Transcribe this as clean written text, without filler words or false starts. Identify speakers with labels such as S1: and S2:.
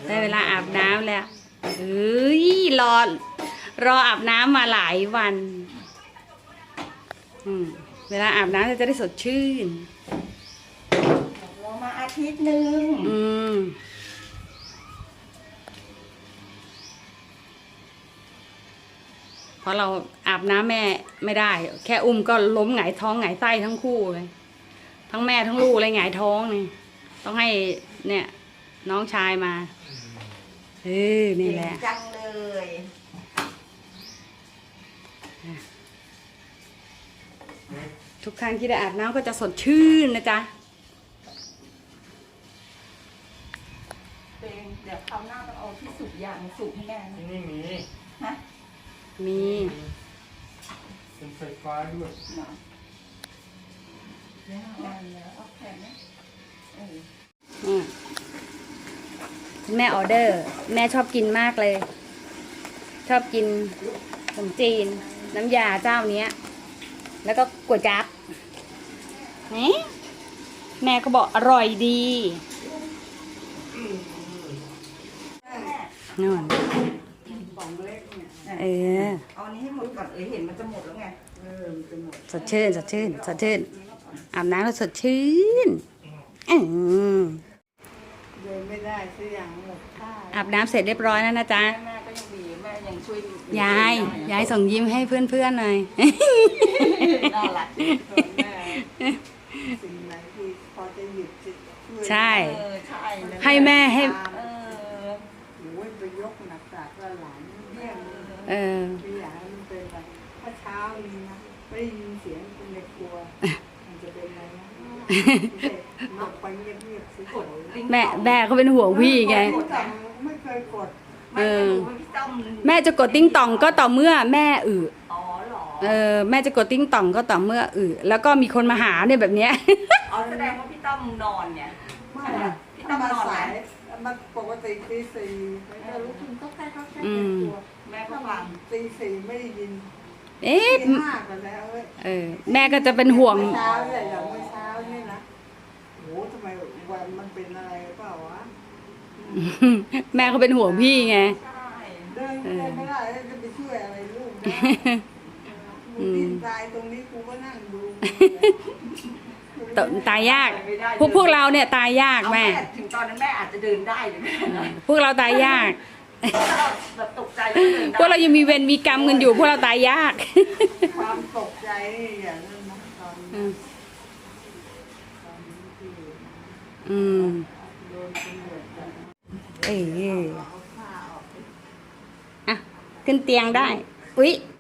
S1: ได้เวลาอาบน้ำแล้วเฮ้ยรออาบน้ำมาหลายวันเวลาอาบน้ำจะได้สดชื่น
S2: รอมาอาทิตย์หนึ่ง
S1: เพราะเราอาบน้ำแม่ไม่ได้แค่อุ้มก็ล้มหงายท้องหงายไส้ทั้งคู่เลยทั้งแม่ทั้งลูกเลยหงายท้องนี่ต้องให้เนี่ยน้องชายมานี่แหละ
S2: จังเลย
S1: ทุกครั้งที่ได้อาบน้ำก็จะสดชื่นนะจ๊ะ
S2: เดี๋ยวคราวหน้าต้องเอาที่สูบยางสูบให้แม่
S3: ที่นี่มี
S2: ฮะ
S1: มี
S3: เป็นไฟฟ้าด้วย
S2: เอาแขนนะ
S1: แม่ออเดอร์แม่ชอบกินมากเลยชอบกินขนมจีนน้ำยาเจ้านี้แล้วก็ก๋วยจั๊บนี่แม่ก็บอกอร่อยดีนู่น
S2: เอานี้ให้หมดก่อนเห็นมันจะหมดแล้วไงมันจะหมด
S1: สดชื่นสดชื่นสดชื่นอาบน้ำแล้วสดชื่น
S2: เดินไม่ได้ซื้ออย่างหมดค่า
S1: อาบน้ำเสร็จเรียบร้อยแล้วนะจ๊ะ
S2: แม่ก็ยังมีแม่ยังช่วย
S1: ยายส่งยิ้มให้เพื่อนๆหน่อย
S2: น่ารักแม่สิ่งไหนที่พอจะหยุด
S1: ใช่ให้แม่ให้
S2: โอ้ยไปยกหนักจากหลานเนี่ยไม่อยากให้มันเป็นอะไรถ้าเช้านี้นะไม่ได้ยินเสียงคนในครัวมันจะเป็นอะไรนะหมักไปเงียบๆสิ
S1: แม่เขาเป็นห่วงพี่ไง
S2: ไม่เคยกด
S1: แม่จะกดติ้งต่องก็ต่อเมื่อแม่
S2: อ๋อเหรอ
S1: แม่จะกดติ้งต่องก็ต่อเมื่อแล้วก็มีคนมาหาเนี่ยแบบเนี้ย
S2: อ๋อแสดงว่าพี่ต้อมนอนเนี่ยไม่พี่ต้อมนอนไหนมันปกติตีสี่แล้วลุกขึ้นก็แค่ตัวแม่ก็ฟังตีสี่ไม่ได้ยินตีห้ากันแล้ว
S1: แม่ก็จะเป็นห่วง
S2: เช้าเลยอย่างเมื่อเช้านี่นะโอ้ทำไมวันมันเป็นอะไรเปล่าวะ
S1: แม่เขาเป็นห่วงพี่ไง
S2: เดินไม่ได้จะไปช่วยอะไรลูกนะดินตายตรงนี้กูก็นั่งดู
S1: ตายยากพวกเราเนี่ยตายยากแม่
S2: ถึงตอนนั้นแม่อาจจะเดินได้หรือไม่
S1: พวกเราตายยาก
S2: แบบตกใจ
S1: พวกเรายังมีเวรมีกรรมกันอยู่พวกเราตายยาก
S2: ความตกใจอย่างนั้นนะตอน
S1: ขึ้นเตียงได้อุ๊ย